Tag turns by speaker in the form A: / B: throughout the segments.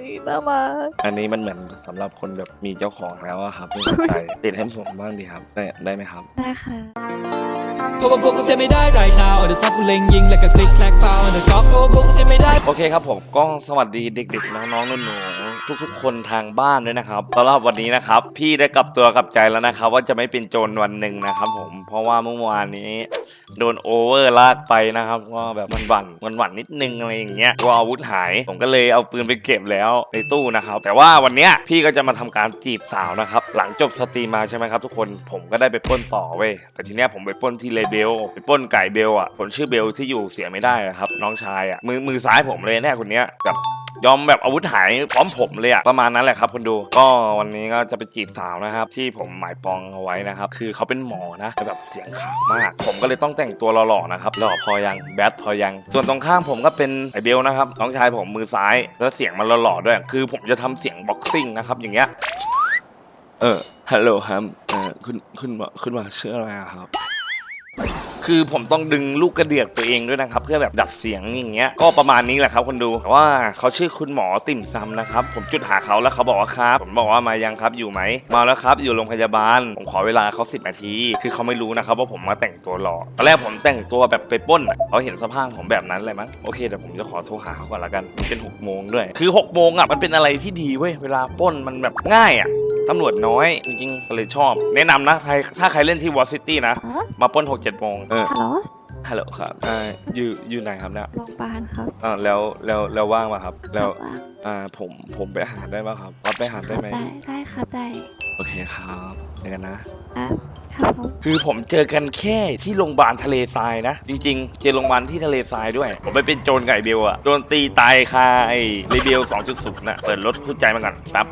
A: น่ารัก
B: อันนี้มันเหมือนสำหรับคนแบบมีเจ้าของแล้วอะครับไม่สนใจติดให้ผมบ้างดีครับได้ไหมครับ
A: ได้ค่ะ
C: เพราะว่าพวกกูเสียไม่ได้ right now on the top กูเล็งยิงแล้วก็คลิกแคลกเปล่า on the top เพราะว่าพวกกูเสียไม่ได้
B: โอเคครับผมก็สวัสดีเด็กๆน้องๆหนูๆทุกๆคนทางบ้านด้วยนะครับสำหรับวันนี้นะครับพี่ได้กลับตัวกลับใจแล้วนะครับว่าจะไม่เป็นโจรวันหนึ่งนะครับผมเพราะว่าเมื่อวานนี้โดนโอเวอร์ลากไปนะครับว่าแบบมันหวั่นนิดนึงอะไรอย่างเงี้ยว่าอาวุธหายผมก็เลยเอาปืนไปเก็บแล้วในตู้นะครับแต่ว่าวันเนี้ยพี่ก็จะมาทำการจีบสาวนะครับหลังจบสตรีมมาใช่ไหมครับทุกคนผมก็ได้ไปปล้นต่อเว้ยแต่ทีเนี้ยผมไปปล้นที่เลเบลไปปล้นไก่เบลอ่ะคนชื่อเบลที่อยู่เสียไม่ได้อะครับน้องชายอ่ะมือซ้ายผมเลยเนี่ยคนเนี้ยแบบยอมแบบอาวุธหายพร้อมผมเลยอะประมาณนั้นแหละครับคุณดูก็วันนี้ก็จะไปจีบสาวนะครับที่ผมหมายปองเอาไว้นะครับคือเขาเป็นหมอนะแต่แบบเสียงขาวมากผมก็เลยต้องแต่งตัวหล่อๆนะครับหล่อพอยังแบดพอยังส่วนตรงข้างผมก็เป็นไอเบลนะครับน้องชายผมมือซ้ายแล้วเสียงมันหล่อๆด้วยคือผมจะทำเสียงบ็อกซิ่งนะครับอย่างเงี้ยฮัลโหลครับคุณหมอชื่ออะไรอะครับคือผมต้องดึงลูกกระเดือกตัวเองด้วยนะครับเพื่อแบบดัดเสียงอย่างเงี้ยก็ประมาณนี้แหละครับคนดูแต่ว่าเขาชื่อคุณหมอติ่มซำนะครับผมจุดหาเขาแล้วเขาบอกว่าครับผมบอกว่ามายังครับอยู่ไหมมาแล้วครับอยู่โรงพยาบาลผมขอเวลาเขา10 นาทีคือเขาไม่รู้นะครับว่าผมมาแต่งตัวหล่อตอนแรกผมแต่งตัวแบบไปปล้นเขาเห็นสภาพผมแบบนั้นเลยมั้งโอเคเดี๋ยวผมจะขอโทรหาเขาก่อนละกันมันเป็น6 โมงด้วยคือ6 โมงอ่ะมันเป็นอะไรที่ดีเว้ยเวลาปล้นมันแบบง่ายอ่ะตำรวจน้อยจริงๆก็เลยชอบแนะนำนะถ้าใครเล่นที่วอซิตี้นะมาปล้น6-7 โมง
A: ฮัลโหล
B: ฮัลโหลครับอยู่ไหนครับเนี่ย
A: โรงพยาบาลครับ
B: แล้วว่างป่ะครับแล้ว
A: ว่าง
B: ผมไปหาได้ป่ะครับรับไปหาได้ไหม
A: ได้ครับได้
B: โอเคครับเจอกันนะ
A: ครับผม
B: คือผมเจอกันแค่ที่โรงพยาบาลทะเลทรายนะจริงๆเจอโรงพยาบาลที่ทะเลทรายด้วยผมไปเป็นโจรไก่เบลอะโดนตีตายคาไอ้เรเบล 2.0 นะเปิดรถคู่ใจมาก่อนครับ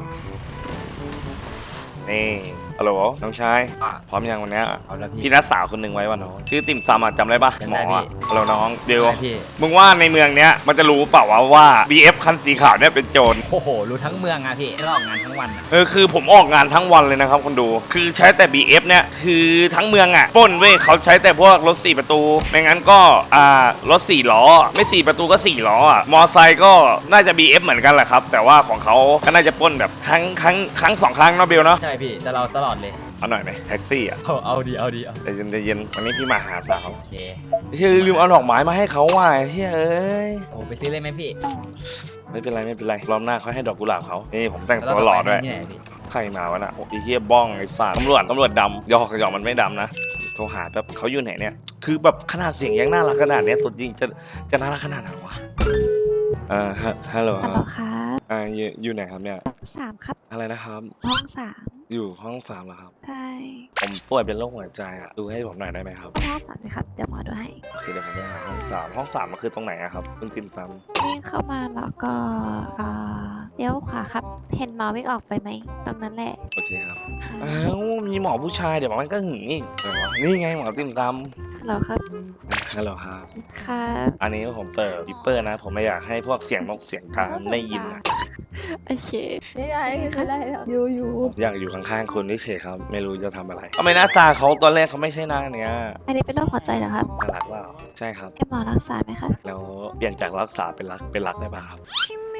B: นี่ฮัลโหลน้องชายพร้อมยังวันนี้พี่นัดสาวคนหนึ่งไว้วะน้องชื่อติ่มซำอะจำได้ปะหมออะฮัลโหลน้องเบลมึงว่าในเมืองเนี้ยมันจะรู้เปล่าว่า BF คันสีขาวเนี่ยเป็นโจร
D: โอ้โหรู้ทั้งเมืองอะพี่เราออกงานทั้งวัน
B: คือผมออกงานทั้งวันเลยนะครับคนดูคือใช้แต่ BF เนี่ยคือทั้งเมืองอะปล้นเว้ยเขาใช้แต่พวกรถ4 ประตูไม่งั้นก็รถ4 ล้อไม่4 ประตูก็4 ล้ออะมอไซค์ก็น่าจะ BF เหมือนกันแหละครับแต่ว่าของเขาก็น่าจะปล้นแบบครั้ง2 ครั้งเนาะเบลเนาะ
D: ใช่พี่แต่เราตลอดเลย
B: เอาหน่อยไหมแท็กซี่อ่ะ
D: เอาดี
B: ใจเย็นวันนี้พี่มาหาสาว
D: โอเค
B: เฮ้ยลืมเอาดอกไม้มาให้เขาว่ะเฮ้ยเอ้ย
D: โอ้ไปซื้อเลยไหมพี่
B: ไม่เป็นไรรอบหน้าเขาให้ดอกกุหลาบเขานี่ผมแต่งตัวหล่อด้วยใครมาวะน่ะโอ้ยเฮียบ้องไอ้สัตว์ตำรวจดำหยอกมันไม่ดำนะโทรหาแบบเขาอยู่ไหนเนี่ยคือแบบขนาดเสียงยังน่ารักขนาดเนี้ยตัวจริงจะน่ารักขนาดไหนวะฮัลโหล
A: ครับ
B: อยู่ไหนครับเนี่ย
A: 3ครับ
B: อะไรนะครับ
A: ห้อง3
B: อยู่ห้อง3เหรอครับ
A: ใช่
B: ผมป่วยเป็นโรคหัวใจอ่ะดูให้ผมหน่อยได้ไหมครับ
A: ห้อง3เลยครับเดี๋ยวหมอดูให้
B: โอเคเดี๋ยวผมไปหาห้อง 3มันคือตรงไหนอะครับคุณติมซัม
A: วิ่งเข้ามาแล้วก็เลี้ยวขวาครับเห็นหมอวิ่งออกไปไหมตรงนั้นแหละ
B: โอเคครับมีหมอผู้ชายเดี๋ยวมันก็หึงอีกนี่ไงหมอติมซัม
A: ฮัลโหลครับ
B: ฮัลโหลครับ
A: ครับ
B: อันนี้ผมเปิดวิปเปอร์นะผมไม่อยากให้พวกเสียงนกเสียงกาได้ยินนะ
A: โอเคไม่ได้อยู่
B: อยากอยู่ข้างๆคุณนี่เฉยครับไม่รู้จะทำอะไรทำไมหน้าตาเขาตอนแรกเขาไม่ใช่หน้าเนี้ย
A: อันนี้เป็นโรคหัวใจเหรอครับ
B: น่ารักว่าใช่ครับ
A: ให้หมอรักษาไหมครับ
B: แล้วเปลี่ยนจากรักษาเป็นรักได้ป่ะครับ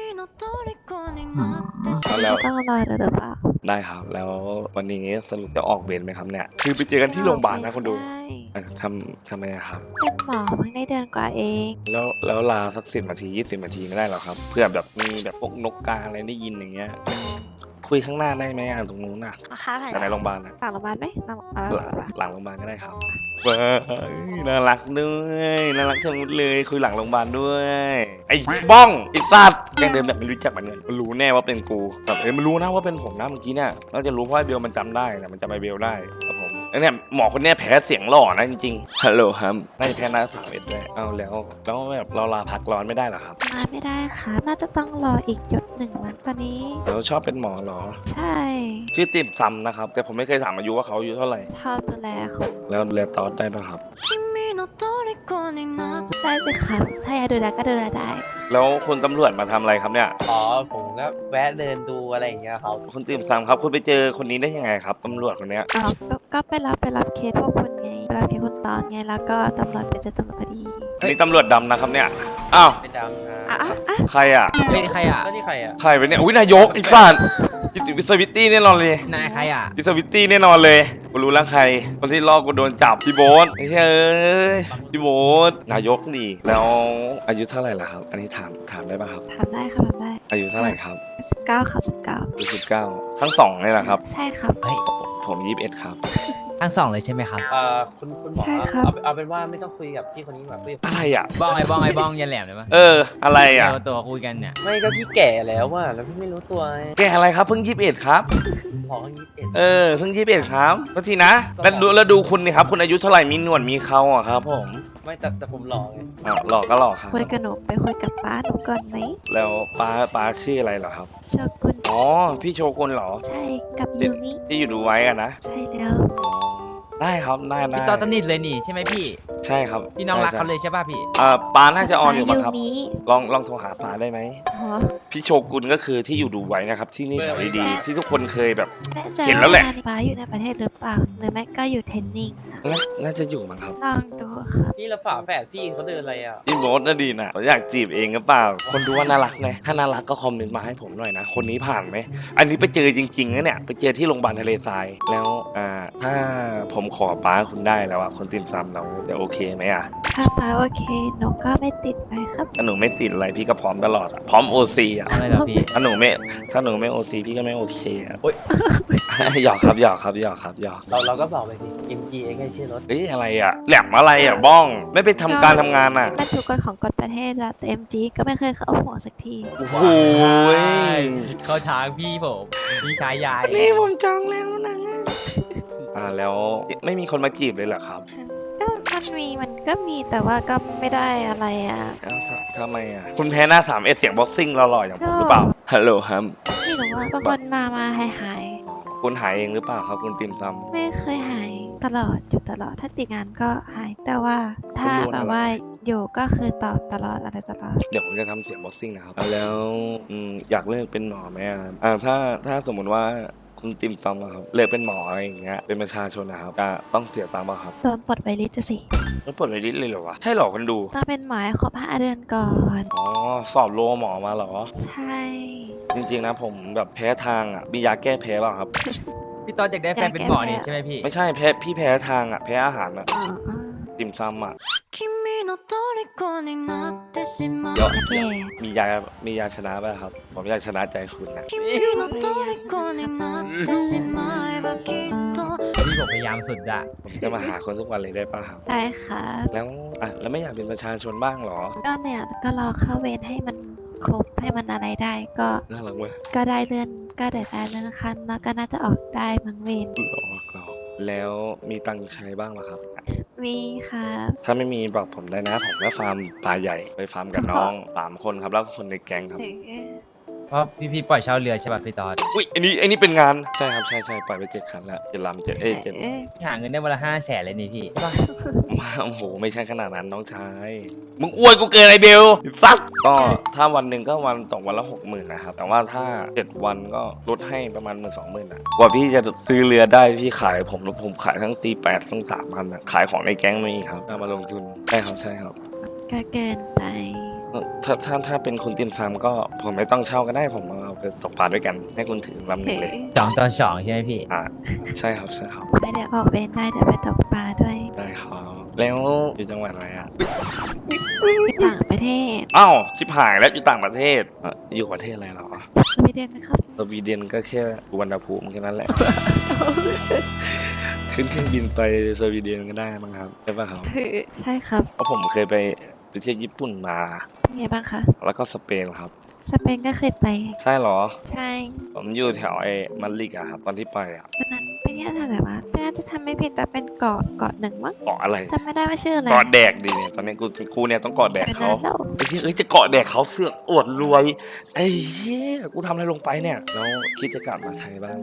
A: แล้วต้องรอหรือเปล่า
B: ได้ครับแล้ววันนี้สรุปจะออกเวรไหมครับเนี่ยคือไปเจอกันที่โรงพยาบาลนะคุณดูทำไมครับ
A: เป็นหมอเพิ่งได้เดือนกว่าเอง
B: แล้วลาสัก10 นาที20 นาทีไม่ได้หรอครับเพื่อแบบมีแบบพวกนกกาอะไรได้ยินอย่างเงี้ยคุยข้างหน้าได้ไหมตรงนู้นน่ะในโรงพยาบาลนะ
A: หลังโรงพยาบาลไหม
B: หลังโรงพยาบาลก็ได้ครับน่ารักด้วยน่ารักทั้งหมดเลยคุยหลังโรงพยาบาลด้วยไอ้บ้องไอ้สัตว์แกเดิมแบบไม่รู้จักมันเลยมันรู้แน่ว่าเป็นกูแบบมันรู้นะว่าเป็นผมนะเมื่อกี้เนี่ยน่าจะรู้เพราะไอ้เบลมันจำได้นะมันจำไอ้เบลได้ครับผมแล้วเนี่ยหมอคนนี้แพ้เสียงหล่อนะจริงๆฮัลโหลครับน่าจะแพ้หน้า31ด้วยเอาแล้วแบบเราลาพักร้อนไม่ได้หรอครับ
A: มาไม่ได้ครับน่าจะต้องรออีก1 วันตอนนี้
B: เราชอบเป็นหมอเหรอ
A: ใช่
B: ชื่อติ่มซำนะครับแต่ผมไม่เคยถามอายุว่าเขาอายุเท่าไหร่
A: ชอบดูแลเขา
B: แล้วดูแลตอสได้ป่ะครับ
A: ได้สิครับถ้าอยากดูแลก็ดูแลได้
B: แล้วคุณตำรวจมาทำอะไรครับเนี่ย
D: ผมก็แวะเดินดูอะไรอย่างเงี้ยครับ
B: คุณติ่มซำครับคุณไปเจอคนนี้ได้ยังไงครับตำรวจคนเนี้ย
A: ก็ไปรับเคสพวกคุณไงไปรอที่คุณตอนไงแล้วก็ตำรวจไปเจอตำรวจพอดี
B: นี่ตำรวจดำนะครับเนี่ยอ้าว
D: ไม่ดำนะ
A: อ่ะอ่ะอ่ะ
B: ใครอ่ะ
D: เฮ้ยใครอ่ะก็นี่ใครอ่ะ
B: ใครไปเนี่ยอุ้ยนายกไอ้สัตว์วิสวิตตี้แน่นอนเลย
D: นายใครอ่ะ
B: วิสวิตตี้แน่นอนเลยกูรู้แล้วใครคนที่ลอกกูโดนจับพี่โบ๊ทไอ้เฮ้ยพี่โบ๊ทนายกนี่แล้วอายุเท่าไหร่ล่ะครับ อันนี้ถามได้ป่ะครับ
A: ทำได้ครับทำได้
B: อายุเท่าไหร่ครับ
A: 19ครับ19
B: อายุ19ทั้งสองเลยนะครับ
A: ใช่ครับ
D: เฮ้ย
B: ผม21ครับ
D: ทั้งสองเลยใช่ไหมครับคุณหมอ
A: ใช่ครับ
D: เอาเป็นว่าไม่ต้องคุยกับพี่คนนี้แบบคุยกับ
B: อะไรอ่ะ
D: บ้องไอ้บ้องยันแหลมเลยปะ
B: อะไรอ่ะ
D: ตัวคุยกันเนี่ย
E: ไม่ก็พี่แก่แล้วว่ะแล้วพี่ไม่รู้ตัวไง
B: แกอะไรครับเพิ่ง21ครับ
E: หมอเขา21
B: เพิ่ง21ครับก็ทีนะแล้วดูคุณนี่ครับคุณอายุเท่าไหร่มีหนวดมีเขาอ่ะครับผม
E: ไม่แต่ผมหล่อไง
B: หลอกก็หลอกครับ
A: คุยกับหนูไปคุยกับป้าหนูก่อนไหม
B: แล้วป้าชื่ออะไรเหรอครับ
A: โชกุน
B: อ๋อพี่โชกุนเหรอ
A: ใช่กับยูมิ
B: ที่อยู่ดูไว้กันนะ
A: ใช่แล้ว
B: อ๋อได้ครับได้
D: พี่ตอนสนิทเลยนี่ใช่ไหมพี่
B: ใช่ครับ
D: พี่น้องรักเขาเลยใช่ป่ะพี่
B: ป้าน่าจะออนอยู่ป่ะครับ
A: ยูมิ
B: ลองโทรหาป้าได้ไหม
A: อ๋อ
B: พี่โชกุนก็คือที่อยู่ดูไว้นะครับที่นี่สาวดีๆที่ทุกคนเคยแบบ
A: แน่ใจ
B: เห็นแล้วแหละ
A: าป้าอยู่ในประเทศหรือเปล่าหรือไม่ก็อยู่เทรนนิ่งอะ
B: น่าจะอยู่มั้งครับ
A: ลองดูครับ
E: พี่ละฝาแฝดพี่เขาเดินอะไรอ่ะ
B: พี่โบ๊ทน่าดีนะอยากจีบเองก็เปล่า คนดูว่าน่ารักไงถ้าน่ารักก็คอมเมนต์มาให้ผมหน่อยนะ คนนี้ผ่านไหม อันนี้ไปเจอจริงๆนะเนี่ย ไปเจอที่โรงพยาบาลทะเลทราย แล้วถ้าผมขอป้าคุณได้แล้วอะคนติมซำเราจะโอเคไหมอะ
A: ถ้าป้าโอเคหนูก็ไม่ติดไปครับ
B: ถ้าหนูไม่ติดอะไรพี่ก็พร้อมตลอดอะพร้อมโอซีอะ
D: อะไรเหรอพี่
B: ถ้าหนูไม่โอซีพี่ก็ไม่โอเคอะ
D: โอ๊ย
B: หยอกครับหยอก
E: เราก็บอกไปสิ MG เองให้ชื่อรถ
B: เฮ้ยอะไรอะแหลมอะไรอะบ้อง ไม่ไปทำการทำงานอะ
A: เป็นทุกกฎของกฎประเทศแล้วแต่ MG ก็ไม่เคยเข้าหัวสักที
B: โอ้โหย
D: เข้าทางพี่ผมพี่ชายใหญ่
B: นี่ผมจองแล้วนะ แล้วไม่มีคนมาจีบเลยเหรอครับ
A: ก็มันก็มีแต่ว่าก็ไม่ได้อะไรอ่ะ
B: เอ้าทำไมอ่ะ คุณแพ้หน้า3เอเสียงบ็อกซิ่งหล่อๆอย่างผมหรือเปล่า ฮัลโหลครับ
A: ไม่รู้ว่าบางคนมาหาย
B: คุณหายเองหรือเปล่าครับคุณติมซ
A: ไม่เคยหายตลอดอยู่ตลอดถ้าติดงานก็หายแต่ว่าถ้า
B: คุณรู้นะ
A: แบบว่าอยู่ก็คือตอบตลอดอะไรตลอด
B: ำเดี๋ยวผมจะทำเสียงบ็อกซิ่งนะครับ แล้วอยากเลิกเป็นหมอไหมครับถ้าสมมุติว่าคุณติมซำอะครับเลิกเป็นหมออะไรอย่างเงี้ย เป็นประชาชนนะครับจะต้องเสียตังค์ป่ะครับ
A: โดนปลดไวลิสต์สิ
B: ต้องปลดไวลิสเลยเหรอวะ ใช่เหรอคนดู
A: ต้องเป็นหมอให้ครบ5 เดือนก่อน
B: อ๋อ สอบโลหมอมาเหรอ
A: ใช่
B: จริงๆนะผมแบบแพ้ทางอ่ะ มียาแก้แพ้เปล่าครับ
D: พี่ตอนอยากได้แฟนเป็นหมอนี่ใช่ไหมพี่
B: ไม่ใช่พี่แพ้ทางอ่ะ แพ้อาหารอ่ะ
A: อ๋อ
B: ติมซำอ่ะ
F: 君の虜になってしまう
B: เดี๋ยว
A: โอเค
B: มียาชนะป่ะครับ ผมอยากชนะใจคุณนะ
F: 君の虜になってしまえばきっと
D: พี่ผมพยายามสุดอะ
B: ผมจะมาหาคนทุกวันเลยได้ป่ะครับ
A: ได้ครับ
B: แล้วไม่อยากเป็นประชาชนบ้างเหรอ
A: ก็เนี่ยก็รอเข้าเวรให้มันครบให้มันอะไรได้ก็
B: น่ารักเว้ย
A: ก็ได้เลื่อนขั้นแล้วก็น่าจะออกได้มั้งเวร
B: หลอกแล้วมีตังค์ใช้บ้างเหรอครับ
A: มีครับ
B: ถ้าไม่มีบอกผมได้นะ ผมก็ฟาร์มปลาใหญ่ไปฟาร์มกับน้อง3 คนครับแล้วก็คนในแก๊งครับ
D: เพราะพี่ปล่อยเช่าเรือใช่ป่ะพี่ตอน
B: อุ้ยอันนี้เป็นงานใช่ครับใช่ปล่อยไป7 คันแล้ว7 ลำ7
A: เอ๊ะ
D: พี่หาเงินได้วันละ500,000เลยนี่พี่
B: มาโอ้โหไม่ใช่ขนาดนั้นน้องชายมึงอ้วนกูเกินไอเบลฟักก็ถ้าวันหนึ่งก็ตกวันละ 60,000นะครับแต่ว่าถ้า7 วันก็ลดให้ประมาณ10,000-20,000นะกว่าพี่จะซื้อเรือได้พี่ขายผมขายทั้ง C8 ทั้ง3,000นะขายของในแก๊งมีครับเอามาลงทุนใช่ครับ
A: ก็เกินไป
B: ถ้าเป็นคุณติมซำก็ผมไม่ต้องเช่าก็ได้ผมเอาไปตกปลาด้วยกันให้คุณถือลำหนึ่งเลย
D: 2 ต่อ 2ใช่ไหมพี่
B: ใช่ครับ
A: ไม่ได้ออกเวรได้เดี๋ยวไปตกปลาด้วย
B: ได้ครับแล้วอยู่จังหวัดอะไรอ่ะ
A: ไปต่างประเทศ
B: อ้าวชิบหายแล้วอยู่ต่างประเทศอยู่ประเทศอะไรเหรอ
A: สวีเดนนะครับ
B: สวีเดนก็แค่สุวรรณภูมิแค่นั้นแหละ ขึ้นเครื่องบินไปสวีเดนก็ได้มั้งครับใช่ป่ะครับ
A: ใช่ครับ
B: เพราะผมเคยไปเที่ยวญี่ปุ่นมา
A: เป็นไงบ้างคะ
B: แล้วก็สเปนครับ
A: สเปนก็เคยไป
B: ใช่เหรอ
A: ใช่
B: ผมอยู่แถวมาดริดอะครับตอนที่ไปอะ
A: วันนั้นไปเที่ยวทางไหนวะน่าจะทำไม่ผิดแต่เป็นเกาะหนึ่งมั้ง
B: เกาะอะไร
A: จำไม่ได้ว่าชื่ออะไร
B: เกาะแดกดีเนี่ยตอนนี้กูเนี่ยต้องเกาะแดก
A: เป็น
B: เขา
A: นั้นแล้ว
B: ไอ้ที่จะเกาะแดกเขาเสือกอวดรวยไอ้เหี้ยกูทำอะไรลงไปเนี่ยแล้วคิดจะกลับมาไทยบ้างไหมอะ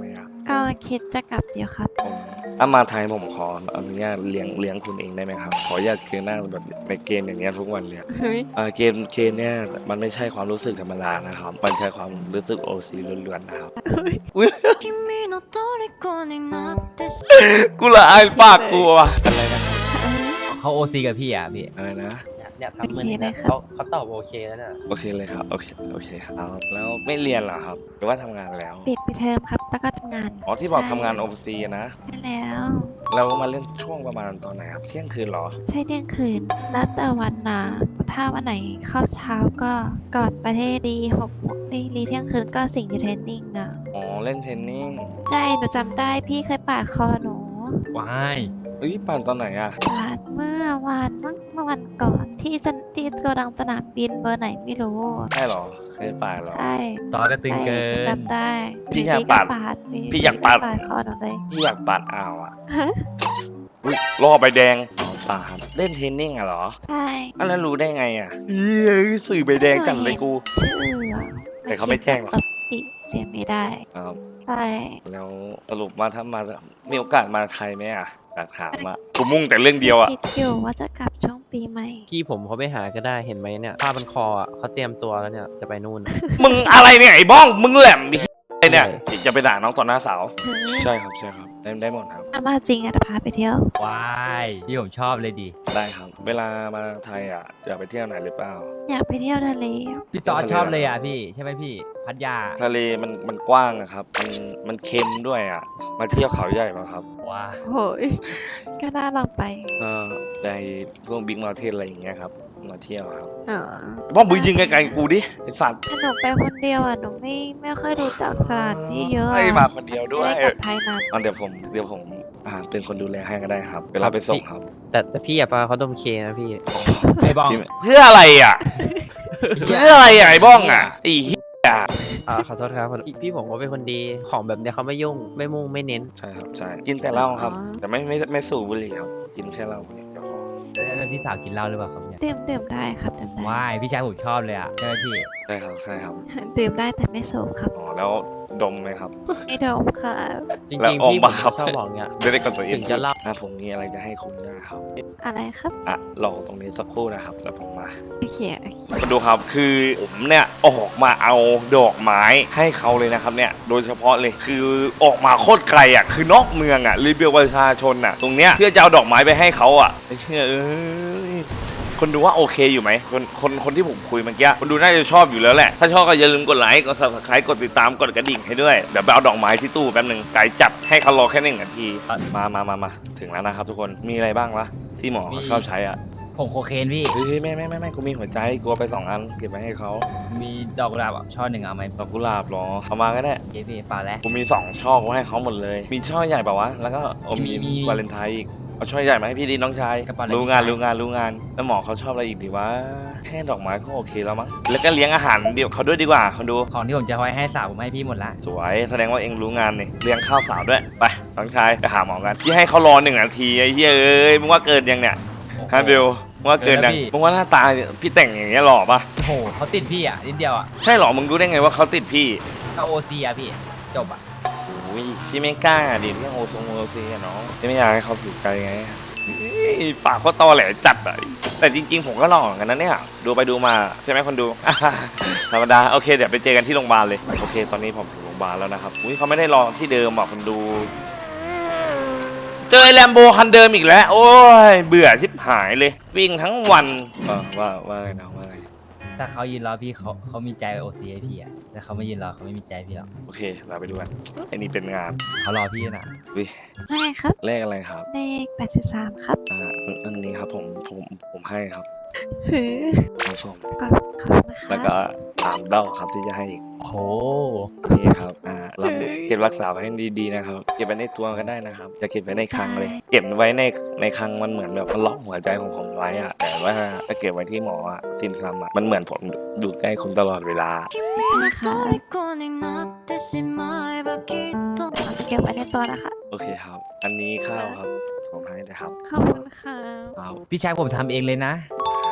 A: ก็คิดจะกลับเดี๋ยวครับ
B: ผมมาไทยผมขออนุญาตเลี้ยงคุณเองได้ไหมครับขออนุญาตคือหน้าแบบในเกมอย่างเงี้ยทุกวันเลย
A: เฮ้ย
B: เกมเนี่ยมันไม่ใช่ความรู้สึกธรรมดานะครับมันใช้ความรู้สึกโอซีล้วนๆนะครับ
F: 君の虜になってし
B: กูละอายปากกูว่ะอะไรนะ
D: เขาโอซีกับพี่อ่ะพี่
B: อะไรนะ
E: เนี่ยทำมือนี่
A: โอเคเลย
E: นะครับ เขาตอบโอเคแล้วน่ะ
B: โอเคเลยครับโอเคครับแล้วไม่เรียนเหรอครับหรือว่าทำงานแล้ว
A: ปิดไปเทอมครับ แล้วก็ทำงาน
B: อ๋อที่บอกทำงานโอซีนะ
A: ใช่แล้ว
B: เรามาเล่นช่วงประมาณตอนไหนครับเที่ยงคืนเหรอ
A: ใช่เที่ยงคืน แล้วแต่วันนะถ้าวันไหนเข้าเช้าก็ก่อนประเทศดี6 โมงรีเที่ยงคืนก็สิ่งอยู่เทรนนิ่งนะ
B: อ๋อเล่นเทนนิ่ง
A: ใช่ หนูจำได้พี่เคยปาดคอหนู
D: ว้าย
B: เอ้ยปั่นตอนไหนอะ
A: ปาดเมื่อวานมั้งเมื่อวันก่อนที่โกดังสนามบินเบอร์ไหนไม่รู้
B: ใช่เหรอเคยปั่นเหรอ
A: ใช่
D: ตอนก็ตึงเกิน
A: จำได้
B: พี่อยาก
A: ก็
B: ปาด
A: พี่
B: พี่อยากปาด
A: ปาดคอหนูเลย
B: พี่อยากปั่นอ้าวอะ
A: ฮะ
B: อุ๊ยล่อใบแดงอ๋อป่าครับเล่นเทนนิ่งอะเหรอ
A: ใช่
B: อันแล้วรู้ได้ไงอะสื่อใบแดงจังเลยกู
A: ชื่ออะ
B: แต่เขาไม่แจ้งหรอก
A: ปกติเสียไม่ได้
B: ครับ
A: ใช่
B: แล้วสรุปว่าถ้ามามีโอกาสมาไทยไหมอะอยากถามอะกูมุ่งแต่เรื่องเดียวอะ
A: คิดอยู่ว่าจะกลับช่วงปีใหม่
E: พี่ผมเขาไปหาก็ได้เห็นไหมเนี่ยผ้าพันคออ่ะเขาเตรียมตัวแล้วเนี่ยจะไปนู่น
B: มึงอะไรเนี่ยไอ้บ้องมึงแหลมดิไอ้เนี่ย
E: ใช่
B: จะไปด่าน้องต่อหน้าสาว
A: หือ
B: ใช่ครับได้หมดครับ
A: ถ้ามาจริงอะจะพาไปเที่ยว
D: ว้ายที่ผมชอบเลยดิ
B: ได้ครับ เวลามาไทยอะอยากไปเที่ยวไหนหรือเปล่า
A: อยากไปเที่ยวทะเล
D: พี่ตอดชอบเลยอ่ะพี่ใช่ไหมพี่ พัทยา
B: ทะเลมันกว้างอะครับ มันเค็มด้วยอะมาเที่ยวเขาใหญ่ป่ะครับ
D: ว้า
A: โอ้ยก็น่าลองไป
B: ในพวกบิ๊กมาเทนอะไรอย่างเงี้ยครับมาเที่ยวครับ
A: อ๋อ
B: บ้องมึงยิงไกลๆกูดิไอ้สัตว์
A: ถ้าหนูไปคนเดียวอ่ะหนูไม่ค่อยรู้จักสถานที่เยอะ
B: ให้
A: อะ
B: มาคนเดียวด้วย
A: ไม่ได้กลับไทยนาน
B: เดี๋ยวผมเป็นคนดูแลให้ก็ได้ครับ เวลาไปส่งครับ
E: แต่พี่อย่าพาเขาดมเคนะพี่
D: ไอ้บ้อง
B: พี่เพื่ออะไรอ่ะ เพื่ออะไรอ่ะไอ้บ้องอ่ะไอ้เหี้ย
E: ขอโทษครับพี่ผมเขาเป็นคนดีของแบบเนี้ยเขาไม่ยุ่งไม่มุ่งไม่เน้น
B: ใช่ครับใช่กินแต่เหล้าครับ แต่ไม่สูบบุหรี่ครับกินแค่เหล้าเนี่ยเดี๋ยวพอ
D: แล้วที่สาวกินเหล้าหรือเปล่าครับเนี่ย
A: ดื่มได้ครับดื่มได้
D: ว้ายพี่ชายผมชอบเลยอ่ะใช่ไหมพี่
B: ใช่ครับ
A: ดื่มได้แต่ไม่สูบครับ
B: อ๋อแล้วดมไหมครับ
A: ไม่ดมค่ะ
E: จริ
B: แล้ว
E: ง
B: อ
E: ๆ
B: อก
E: พี่ผ
B: มาม ครับ
E: ชอบบอกเนี่ย
B: ไม่ได้กับตัวเอง
E: ถึงจะเล่า
B: ผมมีอะไรจะให้คุณด้วยครับ
A: อะไรครับ
B: รอตรงนี้สักครู่นะครับแล้วผมมา
A: โอเค
B: มาดูครับคือผมเนี่ยออกมาเอาดอกไม้ให้เขาเลยนะครับเนี่ยโดยเฉพาะเลยคือออกมาโคตรไกลอ่ะคือนอกเมืองอ่ะรีเบลประชาชนอ่ะตรงเนี้ยเพื่อจะเอาดอกไม้ไปให้เขาอ่ะไอ้เหี้ยเอ้ยคนดูว่าโอเคอยู่ไหมคนที่ผมคุยเมื่อกี้คนดูน่าจะชอบอยู่แล้วแหละถ้าชอบก็อย่าลืมกดไลค์กด subscribe กดติดตามกดกระดิ่งให้ด้วยเดี๋ยวไปเอาดอกไม้ที่ตู้แป๊บนึงไกลจัดให้เขารอแค่1 นาทีมาถึงแล้วนะครับทุกคนมีอะไรบ้างวะที่หมอเขาชอบใช้อ่ะ
D: ผงโคเคนพี่
B: เฮ้ยไม่กูมีหัวใจกูเอาไป2 อันเก็บไว้ให้เขา
D: มีดอกกุหลาบอ่ะช่อหนึ่งเอาไหม
B: ดอกกุหลาบเหรอเอามาก็ได้
D: เย้พี่เปล่าแล้ว
B: กูมี2 ช่อกูให้เขาหมดเลย มีช่อใหญ่เปล่าวะแล้วก็มี
D: มี
B: วาเลนไทน์อีกเอาช่อใหญ่มาให้พี่ดีน้องชาย
D: กระเป๋าอะไร
B: รู้งาน
D: พี่ชาย
B: รู้งานแล้วหมอเขาชอบอะไรอีกดีวะแค่ดอกไม้ก็โอเคแล้วมั้งแล้วก็เลี้ยงอาหารเดี๋ยวเขาด้วยดีกว่าคนดู
D: ของที่ผมจะไว้ให้สาวผมให้พี่หมดละ
B: สวยแสดงว่าเองรู้งานนี่เลี้ยงข้าวสาวด้วยไปน้องชายไปหาหมอกันพี่ให้เขารอ1 นาทีไอ้เฮ้ยเอ้ยมึงว่าเกินยังเนี่ย
D: โอ้โห
B: ฮะเบลมึงว่าเกินยัง
D: เกินแล้วพี่
B: มึงว่าหน้าตาพี่แต่งอย่างเงี้ยหล่อปะ
D: โอ้โหเขาติดพี่อ่ะนิดเดียวอ่ะ
B: ใช่หรอมึงรู้ได้ไงว่าเขาติดพี่
D: ก็โอซีอ่ะพี่จบอ่ะ
B: อุ้ยพี่ไม่กล้าดิเรื่องโอซีอะน้องพี่ไม่อยากให้เขาสูใจไงเฮ้ยปากเขาตอแหลจัดอะแต่จริงๆผมก็หล่อเหมือนกันนะเนี่ยดูไปดูมาใช่ไหมคนดู ธรรมดาโอเคเดี๋ยวไปเจอกันที่โรงพยาบาลเลยโอเคตอนนี้ผมถึงโรงพยาบาลแล้วนะครับอุ้ยเขาไม่ได้รอที่เดิมอ่ะคนดู เจอแลมโบคันเดิมอีกแล้ว โอ้ยเบื่อชิบหายเลย วิ่งทั้งวันว่าไงนะว่าไง
D: ถ้าเขายืนรอพี่เขามีใจโอซีให้พี่อ่ะแต่เขาไม่ยืนรอเขาไม่มีใจพี่หรอก
B: โอเคเราไปดูกันไอ้นี่เป็นงาน
D: เขารอพี่นะ
B: วิ
A: ไม่ครับ
B: เลขอะไรครับ
A: เลข83ครับ
B: อันนี้ครับผมให้ครับ
A: หือ
B: ครับผม
A: ขอบคุณนะ
B: แล้ว
A: คะ
B: ก็3 ดอกครับที่จะให้อีก
D: โอ้โห
B: นี่ครับเราเก็บรักษาไว้ให้ดีๆนะครับ เก็บไว้ในตัวก็ได้นะครับอย่าเก็บไว้ในคลังเลย เก็บไว้ในคลังมันเหมือนแบบมันล็อกหัวใจของผมไว้อะแต่ว่าถ้าเก็บไว้ที่หมออะซิมซัมอะมันเหมือนผมอยู่ใกล้คุณตลอดเวลา
F: 君の虜になってしまえばきっと
A: เก็บไว้ในตัวนะคะ
B: โอเคครับ อันนี้ข้าวครับผมให้นะครับ
A: ขอบคุณค่ะ
B: ข้าว
D: พี่ชายผมทำเองเลยนะ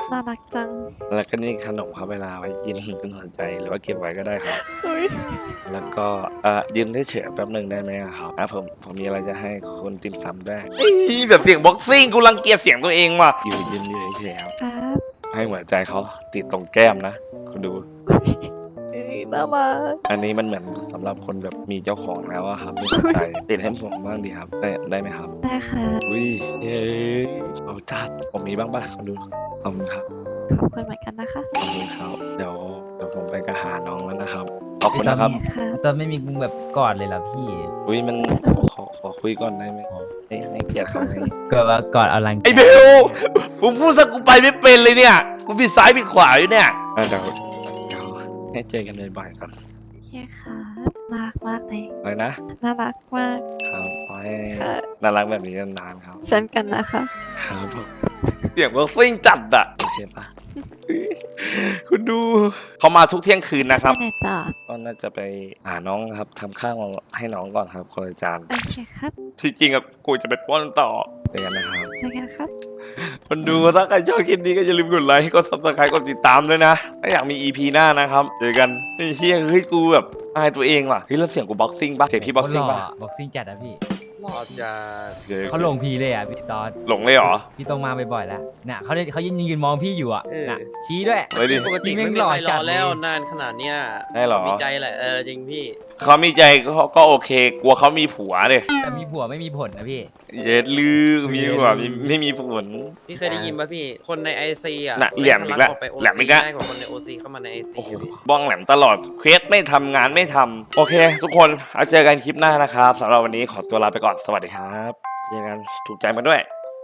A: น่ารักจัง
B: แล้วก็นี่ขนมครับเวลาไว้กินเป็นหัวใจหรือว่าเก็บไว้ก็ได้ครับ
A: เฮ้ย
B: แล้วก็ยืนได้เฉยแป๊บหนึ่งได้ไหมอะครับผมมีอะไรจะให้คุณติมซำด้วยแบบเสียงบ็อกซิ่งกูรังเกียจเสียงตัวเองว่ะยืนเฉยครับ
A: ครับ
B: ให้หัวใจเขาติดตรงแก้มนะคุณดู
A: เฮ้ยน่ารัก
B: อันนี้มันเหมือนสำหรับคนแบบมีเจ้าของแล้วอะครับไม่สนใจติดให้ผมบ้างดีครับได้ไหมครับ
A: ได้ค่ะ
B: อุ้ยเย้เอาจัดผมมีบ้างป่ะคุณดูขอบคุณครับ
A: ขอบคุณเหมือนกันนะคะ
B: ขอบคุณครับเดี๋ยวผมไปกระหาน้องแล้วนะครับขอบคุณนะครับ
A: โอเคค่ะ
D: ตอนไม่มีมึงแบบกอดเลยเหรอพี่
B: อุ้ยมันขอคุยก่อนได้ไหมให้เกียรติเขาไหม
D: เกิดว่ากอดเอาลัง
B: ไอ้เบลผมพูดซะกูไปไม่เป็นเลยเนี่ยกูผิดซ้ายผิดขวาอยู่เนี่ยเดี๋ยวให้เจอกันบ่อยๆก่อน
A: โอเคค่ะน่ารักมากเลย
B: อะไรนะ
A: น่ารักมาก
B: ครับขอให้
A: ค่ะ
B: น่ารักแบบนี้นานๆครับ
A: เช่นกันนะคะ
B: ครับผมเสียงบ็อกซิ่งจัดอะโอเคปะคุณดูเขามาทุกเที่ยงคืนนะครับ
A: ไปไหนต่อ
B: ก็น่าจะไปหาน้องครับทำข้าวให้น้องก่อนครับคนละจาน
A: โอเคครับ
B: ที่จริงอะกูจะไปป้อนต่อเจอกันนะครับ
A: เจอกันครับ
B: คนดูถ้าใครชอบคลิปนี้ก็อย่าลืมกดไลค์กด subscribe กดติดตามด้วยนะถ้าอยากมี EP หน้านะครับเจอกันไอ้เฮียเฮ้ยกูแบบอายตัวเองว่ะเฮ้ยแล้วเสียงกูบ็อกซิ่งปะเสียงพี่บ็อกซิ่งปะ
D: บ็อกซิ่งจัดอะพี่
E: รอจะ
D: เขาลงพีเลยอะพี่ตอน
B: หลงเลยเหรอ
D: พี่ต้องมาบ่อยๆแล้วน่ะเขายืนมองพี่อยู่อะน่ะชี้ด้วย
B: เฮ้ยดิ
E: ปกติ
D: พี่
E: ไม่
D: แม่ง
E: มี
D: หล่อ
E: ใครร
D: จั
E: อ
D: ดเลย
E: แล้วนานขนาดเนี้ย
B: ได้เหรอ
E: มีใจแหละจริงพี่
B: เขามีใจก็โอเค กลัวเขามีผัวเลย
D: แต่มีผัวไม่มีผลนะพี่
B: เย็ดลือมีผัวไม่มีผล
E: พี่เคยได้ยินป่ะพี่ คนในไอซีอ่ะ
B: น่ะเหลี่ยมอีกแล้ว
E: ไป
B: แหลมอีกแล้ว
E: ได้กว่าคนในโอซีเข้ามาในไอซี
B: โอ้โหบ้องแหลมตลอดเควสไม่ทำงานไม่ทำโอเค ทุกคนเอาเจอกันคลิปหน้านะครับสำหรับวันนี้ขอตัวลาไปก่อนสวัสดีครับเจอกันถูกใจมาด้วย